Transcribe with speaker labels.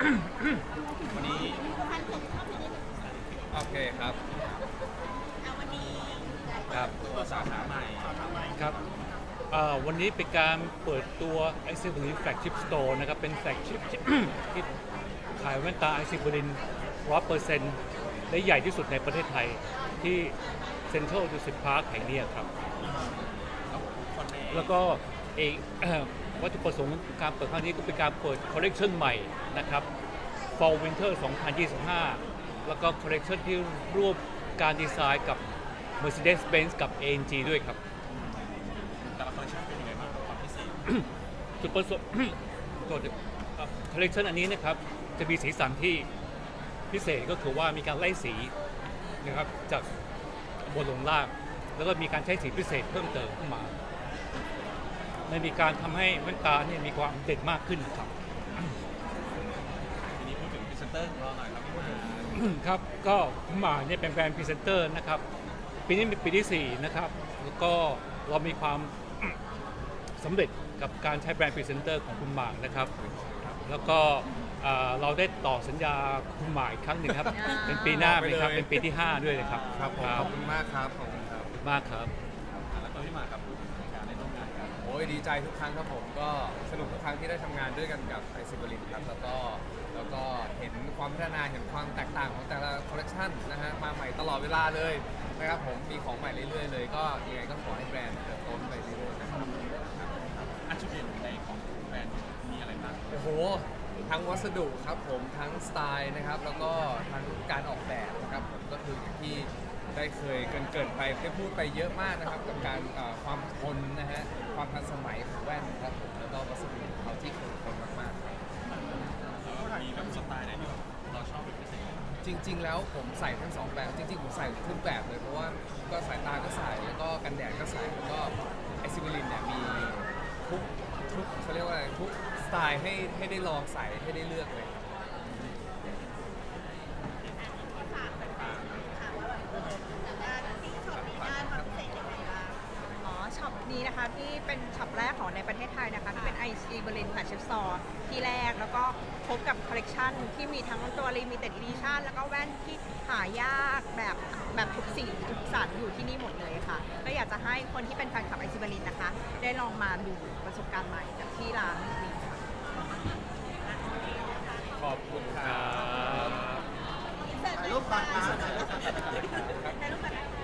Speaker 1: วันนี้โอเคครับครับตัวสาขาใหม่
Speaker 2: ครับวันนี้เป็นการเปิดตัว i c e b r i n Flagship Store นะครับเป็น Flagship ที่ขายแว่นตา i c e b r i n 100% และใหญ่ที่สุดในประเทศไทยที่ Central Dusit Park แห่งนี้ครับแล้วก็วัตถุประสงค์การเปิดครั้งนี้ก็เป็นการเปิดคอลเลกชันใหม่นะครับ Fall Winter 2025 แล้วก็คอลเลกชันที่ร่วมการดีไซน์กับ Mercedes-Benz กับ AMG ด้วยครับ
Speaker 1: แต่ละคอลเลคชันเป็นยังไงบ้างความพิเศษ
Speaker 2: จุดประสงค์ตัวคอลเลกชันอันนี้นะครับจะมีสีสันที่พิเศษก็คือว่ามีการไล่สีนะครับจากบนลงล่างแล้วก็มีการใช้สีพิเศษเพิ่มเติมขึ้นมามันมีการทำให้แว่นตาเนี่ยมีความเด่นมากขึ้นครับ
Speaker 1: ทีนี้พูดถึงพรีเซนเตอร์ของเราหน่อยครับพี่มา
Speaker 2: ครับก็คุณหมาเนี่ยเป็นแบรนด์พรีเซนเตอร์นะครับปีนี้เป็นปีที่4นะครับแล้วก็เรามีความสำเร็จกับการใช้แบรนด์พรีเซนเตอร์ของคุณหมานะครับแล้วก็เราได้ต่อสัญญาคุณหมาอีกครั้งหนึ่งครับเป็นปีหน้านะครับเป็นปีที่5ด้วยนะครับ
Speaker 1: ครับขอบคุณมากครับขอบคุณครับ
Speaker 2: มากครับ
Speaker 1: แล้วก็พี่มาครับการได้ร่วมงานกัน
Speaker 3: โอ้ยดีใจทุกครั้งครับผมก็สนุกทุกครั้งที่ได้ทำงานด้วยกันกับไอซิบรินครับแล้วก็เห็นความพัฒนาเห็นความแตกต่างของแต่ละคอลเลคชันนะฮะมาใหม่ตลอดเวลาเลยนะครับผมมีของใหม่เรื่อยๆเลยก็ยังไงก็ขอให้แบรนด์เติบโตไปเรื่อยๆนะครับ
Speaker 1: จุดเด่นในของแบรนด์มีอะไรบ้าง
Speaker 3: โอ้โหทั้งวัสดุครับผมทั้งสไตล์นะครับแล้วก็ทั้งการออกแบบนะครับผมก็คืออย่างที่ได้เคยเกินไปได้พูดไปเยอะมากนะครับกับการความทนนะฮะความทันสมัยของแว่นครับผมแล้วก็วัสดุของเขาที่คงทนมากๆครับ
Speaker 1: แล้วมีแบบสไตล์ไหนที่เราชอบเป็นพิเศษ
Speaker 3: จริงๆแล้วผมใส่ทั้งสองแบบจริงๆผมใส่ทุกแบบเลยเพราะว่าก็สายตาก็ใส่แล้วก็กันแดดก็ใส่แล้วก็ไอซิบิลินเนี่ยมีทุกเขาเรียกว่าอะไรทุกสไตล์ให้ได้ลองใส่ให้ได้เลือกเลย
Speaker 4: ช็อปนี้นะคะที่เป็นช็อปแรกของในประเทศไทยนะคะที่เป็น IC Berlin Flagship Store ที่แรกแล้วก็พบกับคอลเลกชันที่มีทั้งตัว Limited Edition แล้วก็แว่นที่หายากแบบทุกสีทุกสันอยู่ที่นี่หมดเลยค่ะก็อยากจะให้คนที่เป็นแฟนคลับ IC Berlin นะคะได้ลองมาดูประสบการณ์ใหม่จากที่ร้านนี้ค่ะ
Speaker 3: ขอบคุณครับ
Speaker 4: ถ่ายรูปก่อน